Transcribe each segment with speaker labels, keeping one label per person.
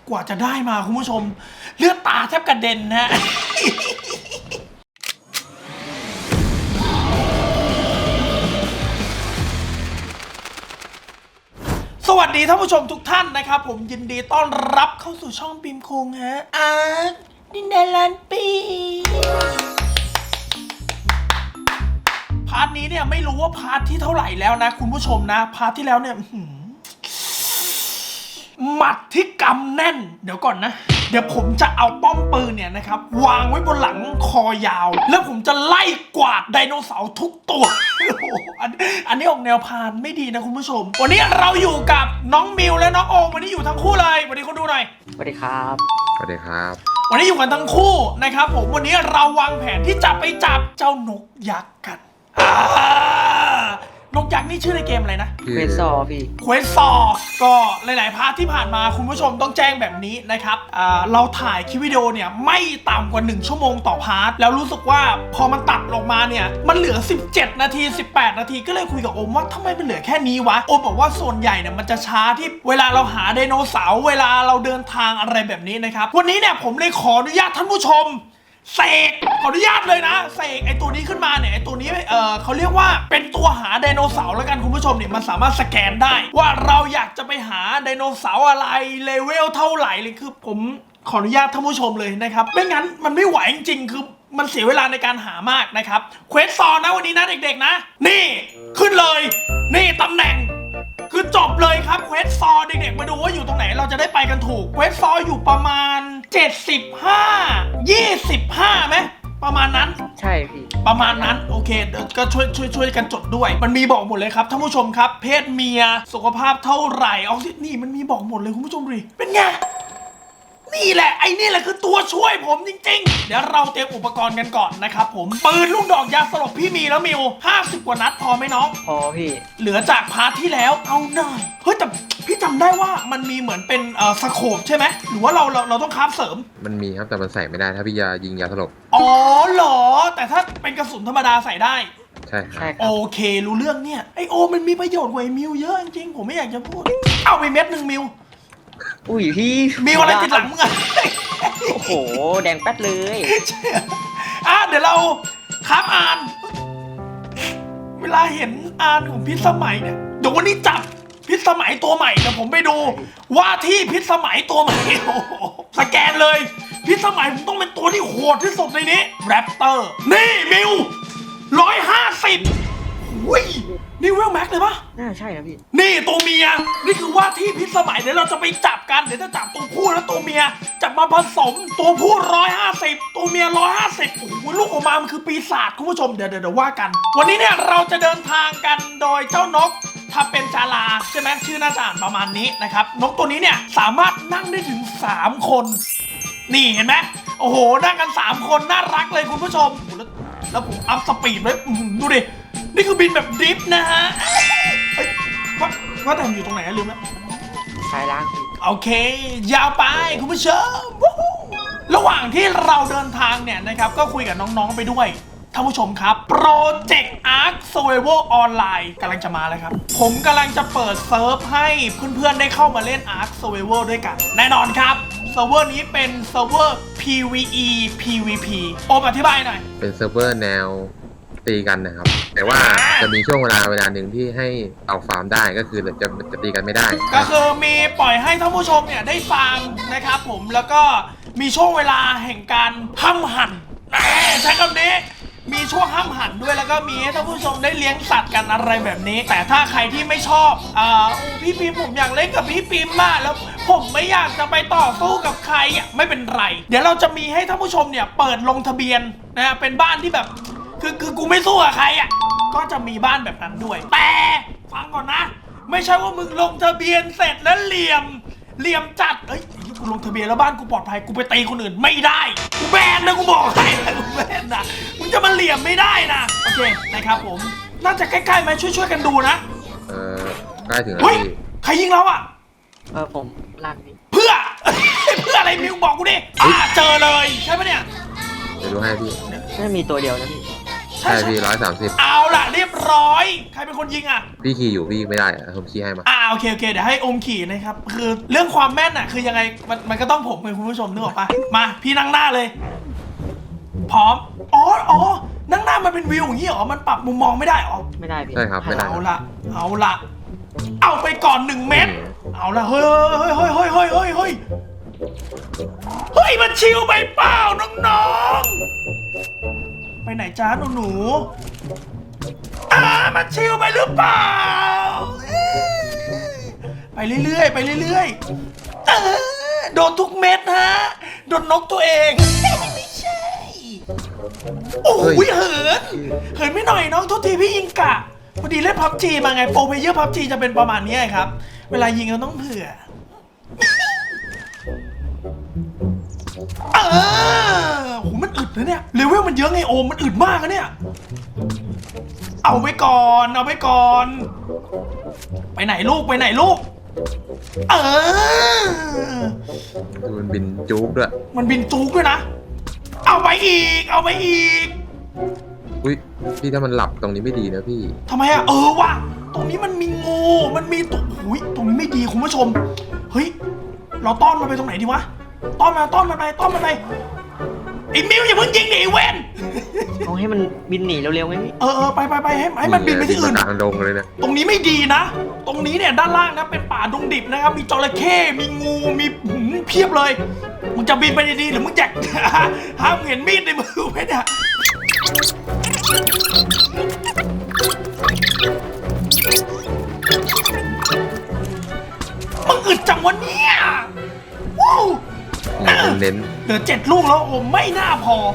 Speaker 1: กว่าจะได้มาคุณผู้ชมเลือดตาแทบกระเด็นฮะ สวัสดีท่านผู้ชมทุกท่านนะครับผมยินดีต้อนรับเข้าสู่ช่องปิมคุงฮะดินแดนล้านปีพาร์ทนี้เนี่ยไม่รู้ว่าพาร์ทที่เท่าไหร่แล้วนะคุณผู้ชมนะพาร์ทที่แล้วเนี่ยหมัดที่กำแน่นเดี๋ยวก่อนนะเดี๋ยวผมจะเอาป้อมปืนเนี่ยนะครับวางไว้บนหลังคอยาวแล้วผมจะไล่กวาดไดโนเสาร์ทุกตัว อันนี้ออกแนวพานไม่ดีนะคุณผู้ชมวันนี้เราอยู่กับน้องมิวและน้องโอมวันนี้อยู่ทั้งคู่เลยวันนี้คนดูหน่อย
Speaker 2: สวัสดีครับ
Speaker 3: สวัสดีครับ
Speaker 1: วันนี้อยู่กันทั้งคู่นะครับผมวันนี้เราวางแผนที่จะไปจับเจ้านกยักษ์กันนกยักษ์นี่ชื่อในเกมอะไรนะ
Speaker 2: เควสซอพี่
Speaker 1: เควสซอก็หลายๆพาร์ทที่ผ่านมาคุณผู้ชมต้องแจ้งแบบนี้นะครับเราถ่ายคลิปวิดีโอเนี่ยไม่ต่ำกว่า1ชั่วโมงต่อพาร์ทแล้วรู้สึกว่าพอมันตัดลงมาเนี่ยมันเหลือ17นาที18นาทีก็เลยคุยกับโอมว่าทำไมมันเหลือแค่นี้วะโอมบอกว่าส่วนใหญ่เนี่ยมันจะช้าที่เวลาเราหาไดโนเสาร์เวลาเราเดินทางอะไรแบบนี้นะครับวันนี้เนี่ยผมเลยขออนุญาตท่านผู้ชมเสกขออนุญาตเลยนะเสกไอตัวนี้ขึ้นมาเนี่ยไอตัวนี้เขาเรียกว่าเป็นตัวหาไดโนเสาร์แล้วกันคุณผู้ชมเนี่ยมันสามารถสแกนได้ว่าเราอยากจะไปหาไดโนเสาร์อะไรเลเวลเท่าไหร่เลยคือผมขออนุญาตท่านผู้ชมเลยนะครับไม่งั้นมันไม่ไหวจริงๆคือมันเสียเวลาในการหามากนะครับเควสซอนนะวันนี้นะเด็กๆนะนี่ขึ้นเลยนี่ตำแหน่งคือจบเลยครับเควสซอเด็กๆมาดูว่าอยู่ตรงไหนเราจะได้ไปกันถูกเควสซออยู่ประมาณ75 25ไหมประมาณนั้น
Speaker 2: ใช่พี่
Speaker 1: ประมาณนั้นโอเคเดี๋ยวก็ช่วยกันจดด้วยมันมีบอกหมดเลยครับท่านผู้ชมครับเพศเมียสุขภาพเท่าไหร่ออกซินี่มันมีบอกหมดเลยคุณผู้ชมดูเป็นไงนี่แหละไอ้นี่แหละคือตัวช่วยผมจริงๆเดี๋ยวเราเตรียมอุปกรณ์กันก่อนนะครับผมปืนลูกดอกยาสลบพี่มีแล้วมิว50 กว่านัดพอไหมน้อง
Speaker 2: พอพี่
Speaker 1: เหลือจากพาร์ทที่แล้วเอาหน่อยเฮ้ยแต่พี่จำได้ว่ามันมีเหมือนเป็นสโคปใช่ไหมหรือว่าเราต้องคราฟเสริม
Speaker 3: มันมีครับแต่มันใส่ไม่ได้ถ้าพี่ยายิงยาสลบ
Speaker 1: อ๋อเหรอแต่ถ้าเป็นกระสุนธรรมดาใส่ได้
Speaker 3: ใช่ครับ
Speaker 1: โอเครู้เรื่องเนี่ยไอโอมันมีประโยชน์กว่าไอมิวเยอะจริงๆผมไม่อยากจะพูดเอาไปเม็ดหนึ่งมิว
Speaker 2: อุ้ยพี่
Speaker 1: มิวอะไรติดหลังมึงอะ
Speaker 2: โอ้โหแดงแป๊ดเลย
Speaker 1: เดี๋ยวเราครับอ่านเวลาเห็นอ่านของพิษสมัยเนี่ยเดี๋ยววันนี้จับพิษสมัยตัวใหม่เดี๋ยวผมไปดูว่าที่พิษสมัยตัวใหม่สแกนเลยพิษสมัยผมต้องเป็นตัวที่โหดที่สุดในนี้แรปเตอร์นี่มิว150อุ้ยนี่เวลแม็กเลยปะ
Speaker 2: น่าใช่นะพี่
Speaker 1: นี่ตัวเมียนี่คือว่าที่พิษสมัยเดี๋ยวเราจะไปจับกันเดี๋ยวจะจับตัวผู้และตัวเมียจับมาผสมตัวผู้150ตัวเมีย150โอ้โหลูกออกมามันคือปีศาจคุณผู้ชมเดี๋ยวว่ากันวันนี้เนี่ยเราจะเดินทางกันโดยเจ้านกถ้าเป็นจาราใช่ไหมชื่อน่าจะอ่านประมาณนี้นะครับนกตัวนี้เนี่ยสามารถนั่งได้ถึง3 คนนี่เห็นไหมโอ้โหนั่งกัน3 คนน่ารักเลยคุณผู้ชมแล้วผมอัพสปีดไว้ดูดินี่คือบินแบบดริฟต์นะฮะว่าแต่อยู่ตรงไหนลืมแล้ว
Speaker 2: ซ้ายล่าง
Speaker 1: โอเคยาวไปคุณผู้ชมระหว่างที่เราเดินทางเนี่ยนะครับก็คุยกับน้องๆไปด้วยท่านผู้ชมครับ Project Ark Survival Online กำลังจะมาแล้วครับผมกำลังจะเปิดเซิร์ฟให้เพื่อนๆได้เข้ามาเล่น Ark Survival ด้วยกันแน่นอนครับเซิร์ฟเวอร์นี้เป็นเซิร์ฟเวอร์ PVE PVP โอมอธิบายหน่อย
Speaker 3: เป็นเซิร์ฟเวอร์แนวตีกันนะครับแต่ว่าจะมีช่วงเวลาหนึ่งที่ให้เอาฟาร์มได้ก็คือจะตีกันไม่ได้
Speaker 1: ก็คือมีปล่อยให้ท่านผู้ชมเนี่ยได้ฟาร์มนะครับผมแล้วก็มีช่วงเวลาแห่งการห้ำหั่นใช้คำนี้มีช่วงห้ามหันด้วยแล้วก็มีให้ท่านผู้ชมได้เลี้ยงสัตว์กันอะไรแบบนี้แต่ถ้าใครที่ไม่ชอบพี่ปิมผมอยากเล่นกับพี่ปิมมากแล้วผมไม่อยากจะไปต่อสู้กับใครไม่เป็นไรเดี๋ยวเราจะมีให้ท่านผู้ชมเนี่ยเปิดลงทะเบียนนะเป็นบ้านที่แบบคือกูไม่สู้กับใครก็จะมีบ้านแบบนั้นด้วยแต่ฟังก่อนนะไม่ใช่ว่ามึงลงทะเบียนเสร็จแล้วเหลี่ยมจัดกูลงทะเบียนแล้วบ้านกูปลอดภัยกูไปตีคนอื่นไม่ได้กูแบนนะกูบอกให้กูแบนนะมึงจะมาเหลี่ยมไม่ได้นะโอเคนะครับผมน่าจะใกล้ๆไหมช่วยกันดูนะ
Speaker 3: ใกล้ถึงแล้ว
Speaker 1: พี่ใครยิงเรา
Speaker 2: ผมลากนี่
Speaker 1: เพื่ออะไรมิวบอกกูดิเจอเลยใช่ปะเนี่ย
Speaker 3: เดี๋ยวดูให้พี่
Speaker 2: น่ามีตัวเดียวนะพี่
Speaker 3: ใช่พี่130
Speaker 1: เอาล่ะเรียบร้อยใครเป็นคนยิงอ่ะ
Speaker 3: พี่ขี่อยู่พี่ไม่ได้อะผมขี่ให้มา
Speaker 1: โอเคเดี๋ยวให้อมขี่นะครับคือเรื่องความแม่นอ่ะคือยังไงมันก็ต้องผมเป็นคุณผู้ชมนึกออกปะมาพี่นั่งหน้าเลย พร้อมอ๋อนั่งหน้ามันเป็นวิวอย่างนี้เหรอมันปรับมุมมองไม่ได้เหรอ
Speaker 2: ไม่ได้พี่
Speaker 3: ใช่ครับไม่ได้
Speaker 1: เอาละเอาไปก่อน1 เม็ดเอาละเฮ้ยมันชิวไปเปล่าน้องๆไปไหนจ้าหนูมันชิวไปหรือเปล่าไปเรื่อยโดนทุกเม็ดฮะโดนนกตัวเองไม่ใช่โอ้ยเหินไม่หน่อยน้องทุกทีพี่ยิงกะพอดีเล่นพับจีมาไงโปรเพลเยอร์พับจีจะเป็นประมาณนี้ครับ เวลายิงเราต้องเผื่อโหมันอึดนะเนี่ยเลเวลมันเยอะไงโอมมันอึดมากนะเนี่ยเอาไปก่อนไปไหนลูก
Speaker 3: ดูมันบินจุกด้วย
Speaker 1: มันบินจุกด้วยนะเอาไปอีก
Speaker 3: อุ้ยพี่ถ้ามันหลับตรงนี้ไม่ดีนะพี่
Speaker 1: ทำไมอะว่ะตรงนี้มันมีงูมันมีตัวหุยตรงนี้ไม่ดีคุณผู้ชมเฮ้ยเราต้อนมันไปตรงไหนดีวะต้อนมันไปไอ้มิวอย่าเพิ่งยิงดิไอ้เวน
Speaker 2: เอาให้มันบินหนีเร็วๆไงพี่
Speaker 1: ไปให้มันบินไปที่อื่น
Speaker 3: กลางดงเลยนะ
Speaker 1: ตรงนี้ไม่ดีนะตรงนี้เนี่ยด้านล่างนะเป็นป่าดงดิบนะครับมีจระเข้มีงูมีเพียบเลยมึงจะบินไปดีๆหรือมึงแจก ห้ามเห็นมีดในมือไหมเนี่ยมึงอึดจังวะเนี่ยว้าว
Speaker 3: เน้น
Speaker 1: เหลือ7 ลูกแล้วโอ้ไม่น่าพอ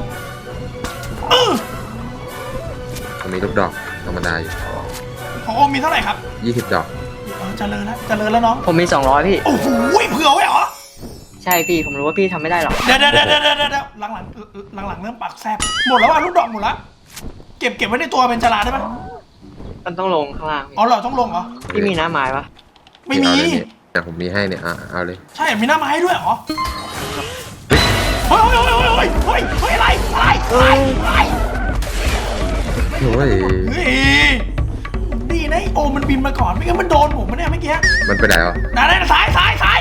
Speaker 3: มันมีลูกดอกธรรมดาอยู่
Speaker 1: ของโอมมีเท่าไหร่ครับ
Speaker 3: 20 ดอก
Speaker 1: เจริญแล้วน้อง
Speaker 2: ผมมี200พี่
Speaker 1: โอ้โหเผื่อไว้เหรอ
Speaker 2: ใช่พี่ผมรู้ว่าพี่ทำไม่ได้หรอก
Speaker 1: เดี๋ยวหลังเริ่มปากแซบหมดแล้วลูกดอกหมดแล้วเก็บไว้ในตัวเป็นจราได้ไหม
Speaker 2: มันต้องลงข้างล่างพี่
Speaker 1: อ๋อเหรอต้องลงเหรอ
Speaker 2: พี่มีน้ำไม้ปะ
Speaker 1: ไม่มี
Speaker 3: แต่ผมมีให้เนี่ยเอาเลย
Speaker 1: ใช่มีหน้าไม้ด้วยเหรอเฮ้ยอะไร
Speaker 3: โอ้ย
Speaker 1: ดีนะโอมันบินมาก่อนไม่งั้นมันโดนผมเนี่ยเมื่อกี้
Speaker 3: มันไปไหนวะ
Speaker 1: นั่นซ้าย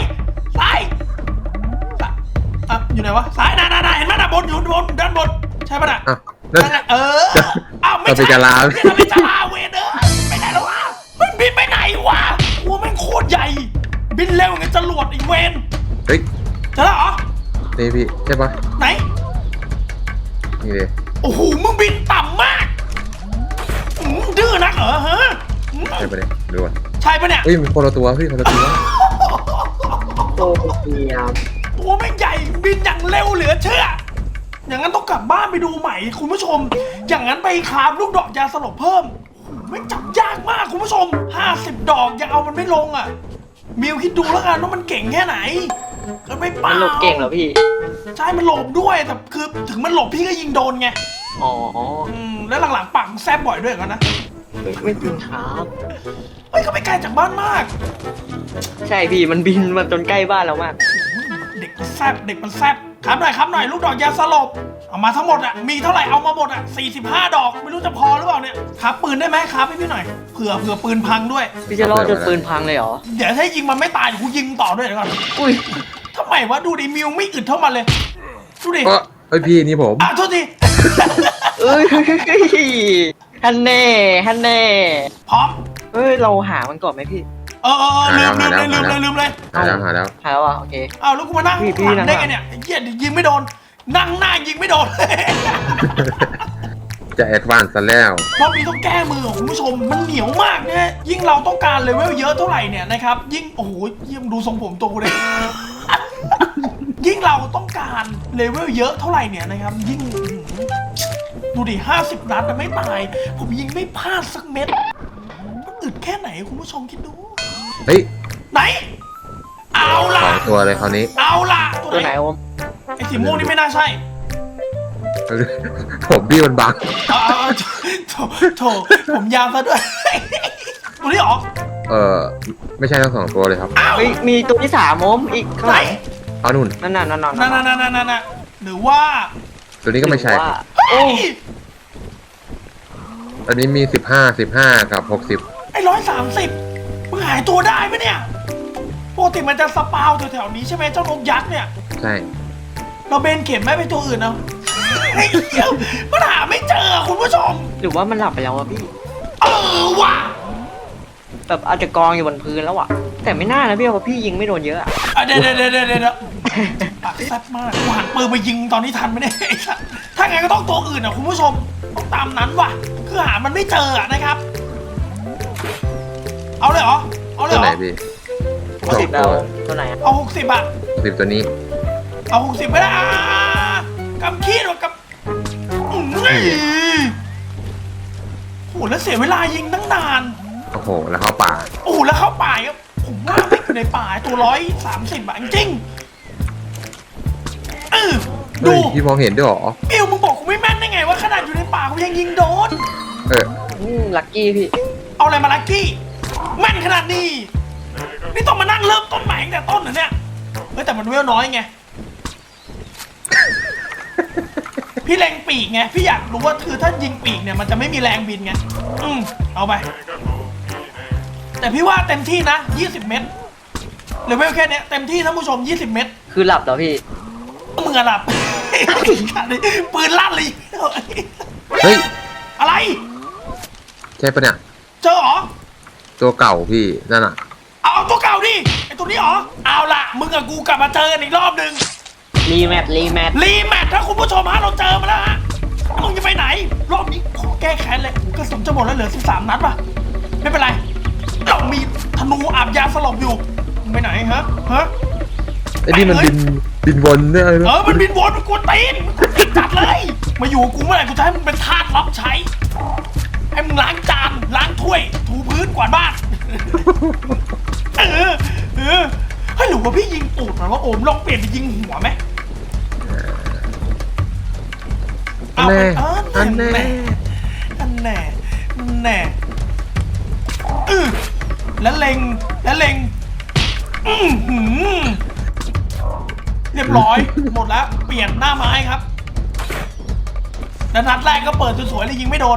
Speaker 1: อยู่ไหนวะซ้ายนั่นเห็นไหมน่ะบนอยู่บนด้านบนใช่ปะน่ะ
Speaker 3: นั่น
Speaker 1: ไม่ใช่ไม่จลาเวเดอร์ไปไหนแล้ววะมันบินไปไหนวะหัวแม่งโคตรใหญ่บินเร็วงั้นจรวดอีเวน
Speaker 3: เฮ้ย
Speaker 1: เจอแล้วเหรอ
Speaker 3: นี่พี่ใช่ปะ
Speaker 1: ไหน
Speaker 3: นี่เลย
Speaker 1: โอ้โหมึงบินต่ำมากดื้อนักเหรอฮะ
Speaker 3: ใช่ปะเนี่ยดูก่อน
Speaker 1: ใช่ปะเนี่ย
Speaker 3: เฮ้ยมันคนละตัวพี่คนละตัว
Speaker 2: โอ้เดียม
Speaker 1: ตัวแม่งใหญ่บินอย่างเร็วเหลือเชื่ออย่างนั้นต้องกลับบ้านไปดูใหม่คุณผู้ชม อย่างนั้นไปคราฟลูกดอกยาสลบเพิ่มไม่จับยากมากคุณผู้ชม50 ดอกยังเอามันไม่ลงอ่ะมิวคิดดูแล้วกันว่ามันเก่งแค่ไหนก็ไม่เป
Speaker 2: มัน
Speaker 1: ล่า
Speaker 2: หลบเก่งเหรอพี่
Speaker 1: ใช่มันหลบด้วยแต่คือถึงมันหลบพี่ก็ยิงโดนไง
Speaker 2: อ๋อ
Speaker 1: แล้วหลังๆปังแซบบ่อยด้วยกันนะ
Speaker 2: ไม่จริงครับ
Speaker 1: เฮ้ยก็ไม่ไกลจากบ้านมาก
Speaker 2: ใช่พี่มันบินมาจนใกล้บ้านเรามาก
Speaker 1: เด็กมันแซบครับหน่อยลูกดอกยาสลบเอามาทั้งหมดอ่ะมีเท่าไหร่เอามาหมดอ่ะ45 ดอกไม่รู้จะพอหรือเปล่าเนี่ยครับปืนได้ไหมครับให้พี่หน่อยเผื่อปืนพังด้วย
Speaker 2: พี่จะรอดจนปืนพังเลยเหรอ
Speaker 1: เดี๋ยวถ้ายิงมันไม่ตายกูยิงต่อด้วยเดี๋ยวก่อน
Speaker 2: อุ้ย
Speaker 1: ทำไมวะดูดิมิวไม่อึดเท่ามันเลยดูดิ
Speaker 3: เฮ้ยพี่นี่ผม
Speaker 1: โทษที
Speaker 2: เอ้ยฮันเน่
Speaker 1: พร้อม
Speaker 2: เฮ้ยเราหามันก่อนไหมพี่
Speaker 1: ลืมเลย
Speaker 3: หาแล้ว
Speaker 2: หาแล้วอ่ะโอเค
Speaker 1: แล้วกูมานั่ง
Speaker 2: พี่
Speaker 1: หลังได้ไงเนี่ยเหี้ยยิงไม่โดนนั่งหน้ายิงไม่โดน
Speaker 3: จะแอดวานซ์ซะแล้ว
Speaker 1: รอบนี้ต้องแก้มือของคุณผู้ชมมันเหนียวมากเนี่ยยิ่งเราต้องการเลเวลเยอะเท่าไหร่เนี่ยนะครับยิ่งโอ้โหยิ่งดูทรงผมตัวกูเลย ยิ่งเราต้องการเลเวลเยอะเท่าไหร่เนี่ยนะครับยิ่งดูดิ50 นัดแต่ไม่ตายผมยิงไม่พลาดสักเม็ดมันอึดแค่ไหนคุณผู้ชมคิดดู
Speaker 3: เฮ้ย
Speaker 1: ไหนเอาล่ะ
Speaker 3: 2 ตัวเลยคราวนี้
Speaker 1: เอาล่ะ
Speaker 2: ตัวไหนโอม
Speaker 1: ไอ้สีม่วงนี่ไม่น่าใช่
Speaker 3: ผมพี่มันบัง
Speaker 1: โถผมยาวซะด้วย ตัวนี้หรอ
Speaker 3: ไม่ใช่ทั้ง 2 ตัวเลยครับ
Speaker 2: เฮ้ยมีตัวที่3โอมอีกข้าง
Speaker 1: ไหน
Speaker 2: หลัง
Speaker 3: เอานุ่น
Speaker 2: นั่น
Speaker 1: นั่นหรือว่า
Speaker 3: ตัวนี้ก็ไม่ใช่
Speaker 2: ว่า
Speaker 1: เฮ้ย
Speaker 3: อันนี้มี15กับ60
Speaker 1: ไอ้130มึงหายตัวได้ไหมเนี่ยปกติมันจะสปาวแถวๆนี้ใช่ไหมเจ้านกยักษ์เนี่ย
Speaker 3: ใช่
Speaker 1: เราเบนเข็มไม่ไปตัวอื่นเอาไอ้เหี้ยมันหาไม่เจอคุณผู้ชม
Speaker 2: หรือว่ามันหลับไปแล้ววะพี่
Speaker 1: ว่ะ
Speaker 2: แบบอาจจะกองอยู่บนพื้นแล้วอะแต่ไม่น่านะพี่เพราะพี่ยิงไม่โดนเยอะอะ
Speaker 1: เดี๋ยวปากแซ่บมากกูหันปืนไปยิงตอนนี้ทันไหมเนี่ยไอ้สัสถ้าไงก็ต้องตัวอื่นอ่ะคุณผู้ชมต้องตามนั้นว่ะคือหามันไม่เจออะนะครับ เอาเลยเหรอเอาเลย
Speaker 3: ตัว
Speaker 1: เห
Speaker 3: ไห
Speaker 1: ร
Speaker 3: น
Speaker 1: อ
Speaker 3: พี่
Speaker 2: 60แล้วตัวไหนอะ
Speaker 1: เอา60อ่ะ
Speaker 3: 60ตัวนี้
Speaker 1: เอา60ไม่ได้กำขี้หรอกโหแล้วเสียเวลายิงตั้งนาน
Speaker 3: โอ้โหแล้วเข้าป่า
Speaker 1: โอ้โหแล้วเข้าป่าอ่ะผมว่าไม่อยู่ในป่าตัว130อ่ะจริงดู
Speaker 3: เฮ้ยพี่มองเห็นด้วยเหรอ
Speaker 1: บิวมึงบอกกูไม่แม่นได้ไงว่าขนาดอยู่ในป่ากูยังยิงโดน
Speaker 2: ลัคกี้พี่
Speaker 1: เอาอะไรมาลักกี้แม่นขนาดนี้นี่ต้องมานั่งเริ่มต้นใหม่ตั้งแต่ต้นเหรอเนี่ยเฮ้ยแต่มันเวลน้อยไง พี่แรงปีกไงพี่อยากรู้ว่าคือถ้ายิงปีกเนี่ยมันจะไม่มีแรงบินไงเอาไปแต่พี่ว่าเต็มที่นะ20 เมตรเลเวลแค่เนี้ยเต็มที่ท่านผู้ชม20 เมตร
Speaker 2: คือหลับเหรอพี่
Speaker 1: มึงอะหลับ ปืนลั่นเลย
Speaker 3: เฮ้ย
Speaker 1: อะไร
Speaker 3: ใช่ปะเนี่ย
Speaker 1: เจอเหรอ
Speaker 3: ตัวเก่าพี่นั่นอ่ะ
Speaker 1: เอาตัวเก่าดิไอตัวนี้เหรอเอาละมึงกับกูกลับมาเจอกันอีกรอบหนึ่ง
Speaker 2: รีแมท
Speaker 1: รีแมทถ้าคุณผู้ชมฮะเราเจอมาแล้วฮะมึงจะไปไหนรอบนี้ขอแก้แค้นเลยกระสุนจะหมดแล้วเหลือ13 นัดป่ะไม่เป็นไรเรามีธนูอาบยาสลบอยู่มึงไปไหนฮะ
Speaker 3: ไอ้นี่มันบินวนเนี่ยนะ
Speaker 1: มันบินวนมันกวนตีนจัดเลยมาอยู่กับกูเมื่อไหร่กูจะให้มึงเป็นทาสรับใช้ให้มึงล้างจานล้างถ้วยถูพื้นกวาดบ้านเฮ้ยหรือว่าพี่ยิงตูดหรอว่าโอมลองเปลี่ยนไปยิงหัวไหม
Speaker 3: อันแน่
Speaker 1: อันแน่แล้วเล็งเรียบร้อยหมดแล้วเปลี่ยนหน้าไม้ครับแล้วนัดแรกก็เปิดสวยๆเลยยิงไม่โดน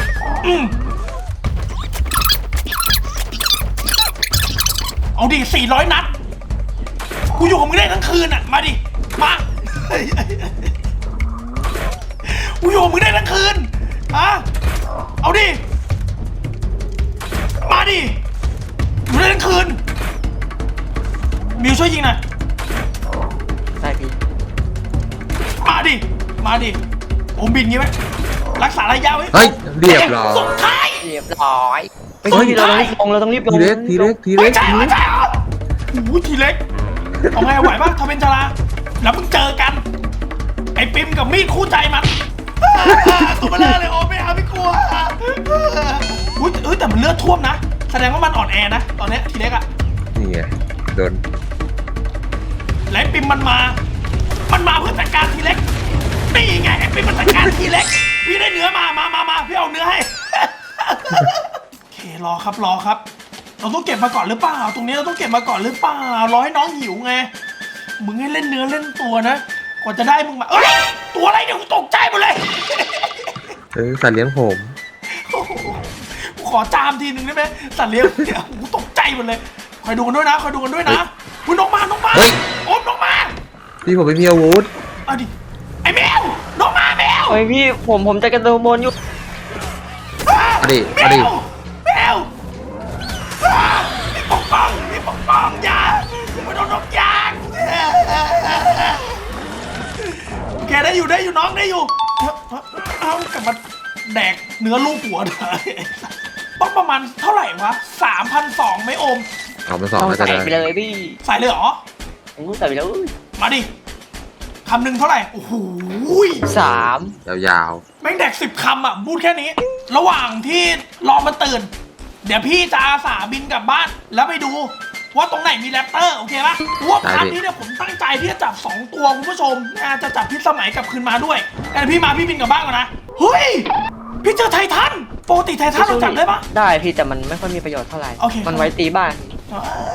Speaker 1: เอาดิ400 นัดกูอยู่กับมึงได้ทั้งคืนอ่ะมาดิมากูอยู่กับมึงได้ทั้งคืนเอาดิมาดิอยู่ได้ทั้งคืนมิวช่วยยิงหน่อย
Speaker 2: ได้พี่
Speaker 1: มาดิผมบินงี้ไหมรักษาระยะไว้
Speaker 3: เฮ้ยเรียบร้อย
Speaker 1: สุดท้าย
Speaker 2: เรียบร้อยไปพี่เราต้องรีบลง
Speaker 3: ทีเล็ก
Speaker 1: ไม่ใช่เหรอโอ้โหทีเล็กเอาไงไหวป่ะทำเป็นจราแล้วมึงเจอกันไอ้ปิมกับมีดคู่ใจมันตัวมาเลยโอ้ไม่เอาไม่กลัวแต่มันเลือดท่วมนะแสดงว่ามันอ่อนแอนะตอนนี้ทีเล็กอะ
Speaker 3: นี่ไงโดน
Speaker 1: และไอ้ปิมมันมาเพื่อจัดการทีเล็กนี่ไงไอ้ปิมมันจัดการทีเล็กพี่ได้เนื้อมาพี่เอาเนื้อให้ โอเครอครับเราต้องเก็บมาก่อนหรือเปล่าตรงนี้เราต้องเก็บมาก่อนหรือเปล่ารอให้น้องหิวไงมึงให้เล่นเนื้อเล่นตัวนะกว่าจะได้มึงมาตัวอะไรเนี่ยกูตกใจหมดเลย
Speaker 3: สัตว์เลี้ยงผม
Speaker 1: โอ้โหกูขอจามทีนึงได้ไหมสัตว์เลี้ยงเนี่ยกูตกใจหมดเลยคอยดูกันด้วยนะคุณนกมา
Speaker 3: เฮ้ย
Speaker 1: โอ้นกมา
Speaker 3: พี่ผมไม่มีอาวุธ
Speaker 1: เอาดิไอ้แมวนกมาแมว
Speaker 2: เฮ้ยพี่ผมจะกระโดดบนอยู่
Speaker 3: มาดิ
Speaker 1: แมวพี่ปกป้องอย่าไม่โดนนกยางโอเคได้อยู่น้องได้อยู่เอากลับมาแดกเนื้อลูกหัวเลยต้องประมาณเท่าไหร่วะ 3,200ไหมโอม
Speaker 3: เอามาสอง
Speaker 2: ต้อง
Speaker 3: แล้วจะ
Speaker 2: ใส่
Speaker 3: ได้
Speaker 2: ไปเลยพี่
Speaker 1: ใส่เลยเหรอ
Speaker 2: ใส่ไปเลย
Speaker 1: มาดิคำหนึ่งเท่าไหร่โอ้โห
Speaker 2: 3
Speaker 3: ยาว
Speaker 1: แม่งแดก10 คำอ่ะพูดแค่นี้ ระหว่างที่รอมันตื่น เดี๋ยวพี่จะอาสาบินกลับบ้าน แล้วไปดูว่าตรงไหนมีแรปเตอร์โอเคปะว่าพาร์ทนี้เนี่ยผมตั้งใจที่จะจับ2 ตัวคุณผู้ชมจะจับพิษสมัยกลับคืนมาด้วยแต่พี่บินกลับบ้านก่อนนะเฮ้ยพี่เจอไททันปกติไททันเราจับได้ปะ
Speaker 2: ได้พี่แต่มันไม่ค่อยมีประโยชน์เท่าไหร่
Speaker 1: โอเค
Speaker 2: มันไว้ตีบ้าน
Speaker 1: โอ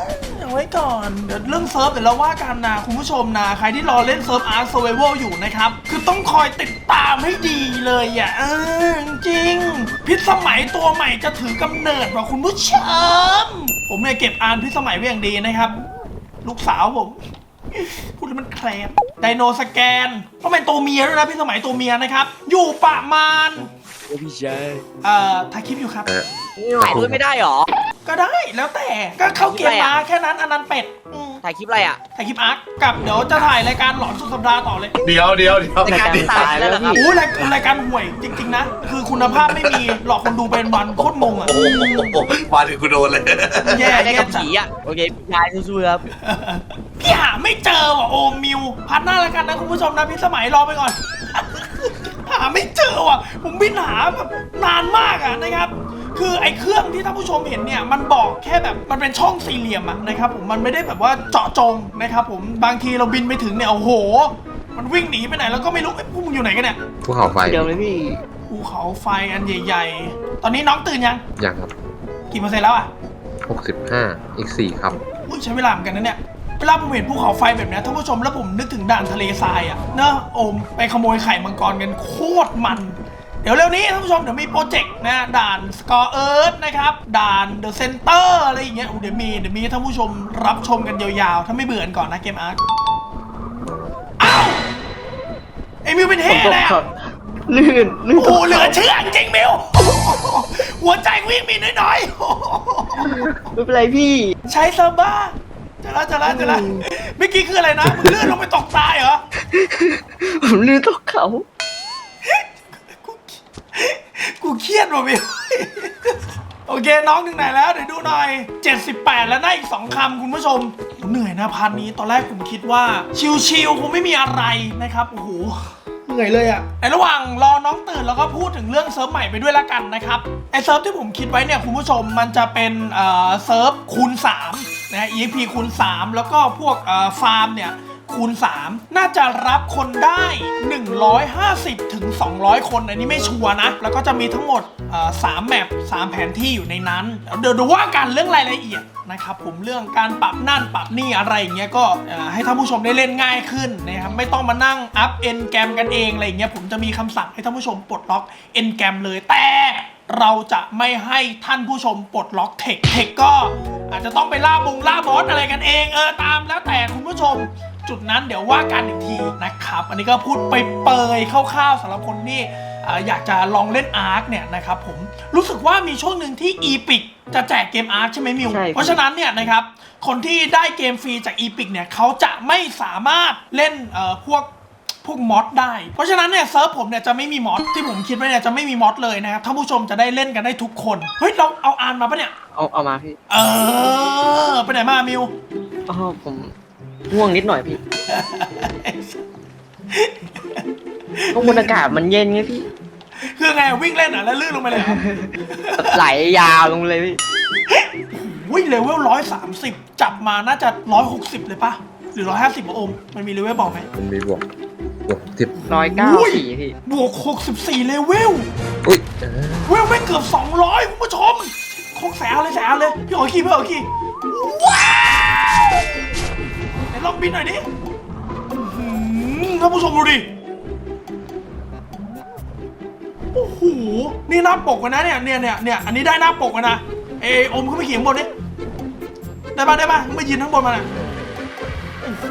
Speaker 1: เอาไว้ก่อนเดี๋ยวเรื่องเซิร์ฟเดี๋ยวเราว่ากันนะคุณผู้ชมนะใครที่รอเล่นเซิร์ฟ Ark Survival อยู่นะครับคือต้องคอยติดตามให้ดีเลยอ่ะจริงพิษสมัยตัวใหม่จะถือกำเนิดว่ะคุณผู้ชมผมเนี่ยเก็บอ่านพิษสมัยไว้อย่างดีนะครับลูกสาวผมพูดแล้วมันแคลมไดโนสแกนต้องเป็นตัวเมียด้วยนะพิษสมัยตัวเมียนะครับอยู่ประมาณ
Speaker 4: พี่ชาย
Speaker 1: ถ่ายคลิปอยู่ครับ
Speaker 2: ถ่ายด้วยไม่ได้หรอ
Speaker 1: ก็ได้แล้วแต่ก็เข้าเกมมาแค่นั้นอันนั้นเป็ด
Speaker 2: ถ่ายคลิปอะไรอ่ะ
Speaker 1: ถ่ายคลิปอาร์คกับเดี๋ยวจะถ่ายรายการหลอนสุดสัปดาห์ต่อเลย
Speaker 5: เดี๋ยว
Speaker 2: รายการตายแล้วครับ
Speaker 1: โอ้รายการห่วยจริงๆนะคือคุณภาพไม่มีหลอกคนดูเป็นวันโคตรงงอ่ะ
Speaker 5: โอ้โหมาถึงกูโดนเลย
Speaker 1: แย่
Speaker 2: ได้
Speaker 1: แย่
Speaker 2: กับ
Speaker 1: จัด
Speaker 2: ผีอ่ะโอเคพี่ชายสู้ๆครับ
Speaker 1: พี่หาไม่เจอว่ะโอมมิวพัดหน้าแล้วกันนะคุณผู้ชมนะพี่สมัยรอไปก่อน หาไม่เจอว่ะผมบินหาแบบนานมากอ่ะนะครับคือไอ้เครื่องที่ท่านผู้ชมเห็นเนี่ยมันบอกแค่แบบมันเป็นช่องสี่เหลี่ยมอะนะครับผมมันไม่ได้แบบว่าเจาะจงนะครับผมบางทีเราบินไปถึงเนี่ยโอ้โหมันวิ่งหนีไปไหนแล้วก็ไม่รู้พวกมึงอยู่ไหนกันเนี่ย
Speaker 3: ภูเขาไฟ
Speaker 2: เดี๋ยวเลยพี่
Speaker 1: ภูเขาไฟอันใหญ่ๆตอนนี้น้องตื่นยัง
Speaker 3: ยังครับ
Speaker 1: กี่เปอร์เซ็นต์แล้วอะ
Speaker 3: 65อีก4ครับ
Speaker 1: อุ้ยใช้เวลาเหมือนกันนะเนี่ยเวลาผมเห็นภูเขาไฟแบบนี้ท่านผู้ชมแล้วผมนึกถึงด่านทะเลทรายอะเนอะโอมไปขโมยไข่มังกรกันโคตรมันเดี๋ยวเร็วนี้ท่านผู้ชมเดี๋ยวมีโปรเจกต์นะด่าน Score Earth นะครับด่าน The Center อะไรอย่างเงี้ยเดี๋ยวมีท่านผู้ชมรับชมกันยาวๆถ้าไม่เบื่อก่อนนะเกมอาร์คอ้าวไอ้มิวเป็นเฮ่เลยอะ
Speaker 2: ลื่น
Speaker 1: โอ้โหเหลือเชื่อจริงมิวหัวใจวิ่งมีน้อย
Speaker 2: ไม่เป็นไรพี่
Speaker 1: ๆใช้ซาบ้าจะละเมื่อกี้คืออะไรนะมึงลื่นลงไปตกตายเหรอ
Speaker 2: ผมลื่นตกเขา
Speaker 1: กูเครียดว่ะมิวโอเคน้องถึงไหนแล้วเดี๋ยวดูหน่อย78แล้วนะอีก2คำคุณผู้ชมเหนื่อยนะพาร์ทนี้ตอนแรกผมคิดว่าชิลๆคงไม่มีอะไรนะครับโอ้โหเหนื่อยเลยอะในระหว่างรอน้องตื่นแล้วก็พูดถึงเรื่องเซิร์ฟใหม่ไปด้วยละกันนะครับไอเซิร์ฟที่ผมคิดไว้เนี่ยคุณผู้ชมมันจะเป็นเซิร์ฟคูณ3นะ EXP คูณ3แล้วก็พวกฟาร์มเนี่ยคูณ3น่าจะรับคนได้150ถึง200คนอันนี้ไม่ชัวร์นะแล้วก็จะมีทั้งหมด3แมป3แผนที่อยู่ในนั้นเดี๋ยวดูว่ากันเรื่องรายละเอียดนะครับผมเรื่องการปรับนั่นปรับนี่อะไรอย่างเงี้ยก็ให้ท่านผู้ชมได้เล่นง่ายขึ้นนะครับไม่ต้องมานั่งอัพเอ็นแกรมกันเองอะไรอย่างเงี้ยผมจะมีคำสั่งให้ท่านผู้ชมปลดล็อกเอ็นแกรมเลยแต่เราจะไม่ให้ท่านผู้ชมปลดล็อกเทคก็อาจจะต้องไปล่าบอสอะไรกันเองตามแล้วแต่คุณผู้ชมจุดนั้นเดี๋ยวว่ากันอีกทีนะครับอันนี้ก็พูดไปเปยๆคร่าวๆสำหรับคนที่อยากจะลองเล่นอาร์คเนี่ยนะครับผมรู้สึกว่ามีช่วงหนึ่งที่ Epic จะแจกเกมอาร์คใช่ไหมมิวเพราะฉะนั้นเนี่ยนะครับคนที่ได้เกมฟรีจาก Epic เนี่ยเขาจะไม่สามารถเล่นพวกมอดได้เพราะฉะนั้นเนี่ยเซิร์ฟผมเนี่ยจะไม่มีมอดที่ผมคิดไว้เนี่ยจะไม่มีมอดเลยนะครับท่านผู้ชมจะได้เล่นกันได้ทุกคนเฮ้ยเราเอาอ่านมาปะเนี่ย
Speaker 2: เอามาพี่
Speaker 1: ไปไหนมามิว
Speaker 2: ผมง่วงนิดหน่อยพี่เพราะบรรยากาศมันเย็นไงพี่
Speaker 1: คือไงวิ่งเล่นแล้วลื่นลงไปเลย
Speaker 2: ไหลยาวลงเลยพี่
Speaker 1: วิ่งเลเวล130จับมาน่าจะ160เลยปะหรือ150โอมมันมีเลเวลบอกไหม
Speaker 3: มันมีบวก10
Speaker 2: 194พี่
Speaker 1: บวก64เลเวล
Speaker 3: อุ้ย
Speaker 1: เวลไม่เกือบ200คุณผู้ชมคงแสวเลยพี่ขอขี่ว้าวไหนลองบินหน่อยดิท่านผู้ชมดูดิโอ้โหนี่หน้าปกกันนะเนี่ยอันนี้ได้หน้าปกกันนะอมขึ้นไปขี่ข้างบนดิได้ป่ะมายืนข้างบนมาน่ะโอ้โห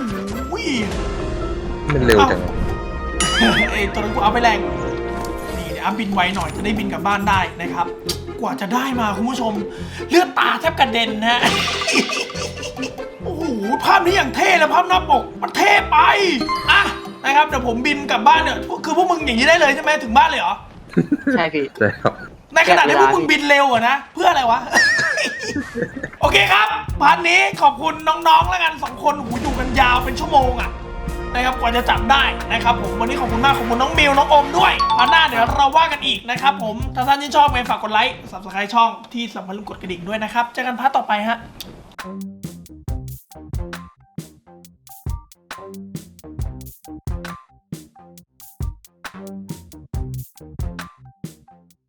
Speaker 3: มันเร็วจัง
Speaker 1: ตัวนั้นกูเอาไปแรงนี่เดี๋ยวบินไวหน่อยจะได้บินกลับบ้านได้นะครับกว่าจะได้มาคุณผู้ชมเลือดตาแทบกระเด็นฮะโอ้โหภาพนี้อย่างเท่เลยภาพหน้าปกมันเท่ไปนะครับเดี๋ยวผมบินกลับบ้านเนี่ยคือพวกมึงอย่างนี้ได้เลยใช่ไหมถึงบ้านเลยเหรอ
Speaker 2: ใช่พี่
Speaker 3: ใช่ครับ
Speaker 1: ในขณะที่พวกมึงบินเร็วอะนะเพื่ออะไรวะ โอเคครับพาร์ทนี้ขอบคุณน้องๆแล้วกัน2คนอยู่กันยาวเป็นชั่วโมงอะนะครับกว่าจะจับได้นะครับผมวันนี้ขอบคุณมากขอบคุณน้องมิวน้องอมด้วยพาร์ทหน้าเดี๋ยวเราว่ากันอีกนะครับผมถ้าท่านที่ชอบฝากกดไลค์ Subscribe ช่องที่สำคัญลืมกดกระดิ่งด้วยนะครับเจอกันพาร์ทต่อไปฮะ